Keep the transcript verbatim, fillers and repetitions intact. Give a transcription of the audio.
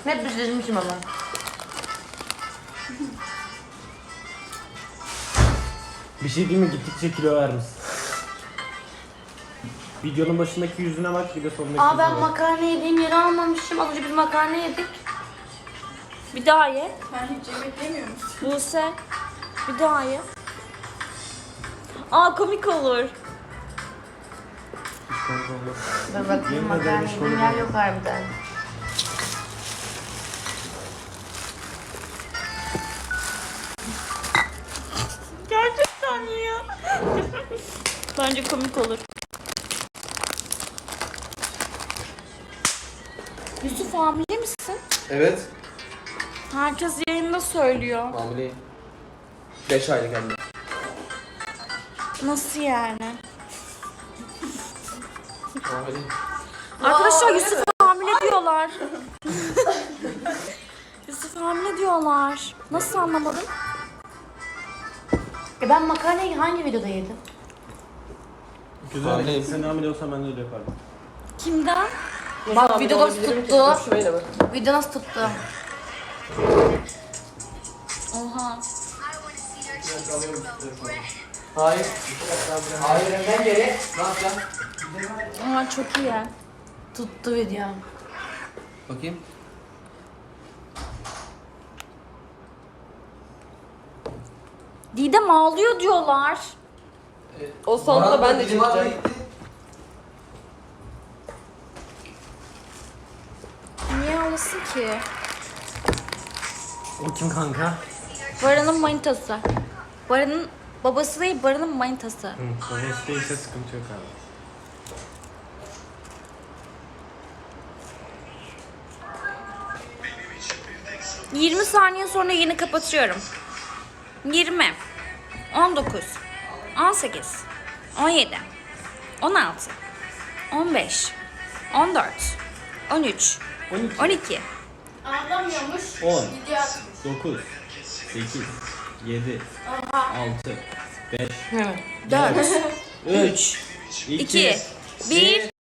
Hep bitirmişim ama. Bir şey değil mi? Gittikçe kilo vermişsin. Videonun başındaki yüzüne bak, bir de sonundaki Aa ben yüzüne bak. makarna yediğim yeri almamışım. Az önce biz makarna yedik. Bir daha ye. Sen hiç yemek yemiyor musun? Buse. Bir daha ye. Aa komik olur. Dur bakayım Yemin makarna ederim hiç yediğim yer yok harbiden. Gerçekten ya. Bence komik olur. Yusuf hamile misin? Evet. Herkes yayında söylüyor. Hamileyim. beş aylık hem de. Nasıl yani? Hamileyim. Arkadaşlar Yusuf hamile diyorlar. Yusuf hamile diyorlar. Nasıl anlamadın? E ben makarnayı hangi videoda yedim? Güzel. Hamileyim. Sen hamile olsan ben de öyle yapardım. Kimden? Bak video nasıl tuttu. Video nasıl tuttu. Oha. Hayır. Hayır hemen geri. Ne yapacaksın? Oha çok iyi. Tuttu video. Bakayım. Didem ağlıyor diyorlar. O sonunda ben de çekeceğim. Niye ağlasın ki? O kim kanka? Baran'ın manitası. Baran'ın babası değil, Baran'ın manitası. Hı, babası değilse sıkıntı yok abi. yirmi saniye sonra yeni kapatıyorum. yirmi, on dokuz, on sekiz, on yedi, on altı, on beş, on dört, on üç, on iki, on iki, Anlamıyormuş. on, Video atmış. dokuz, sekiz, yedi, altı, beş, dört, üç, iki, bir.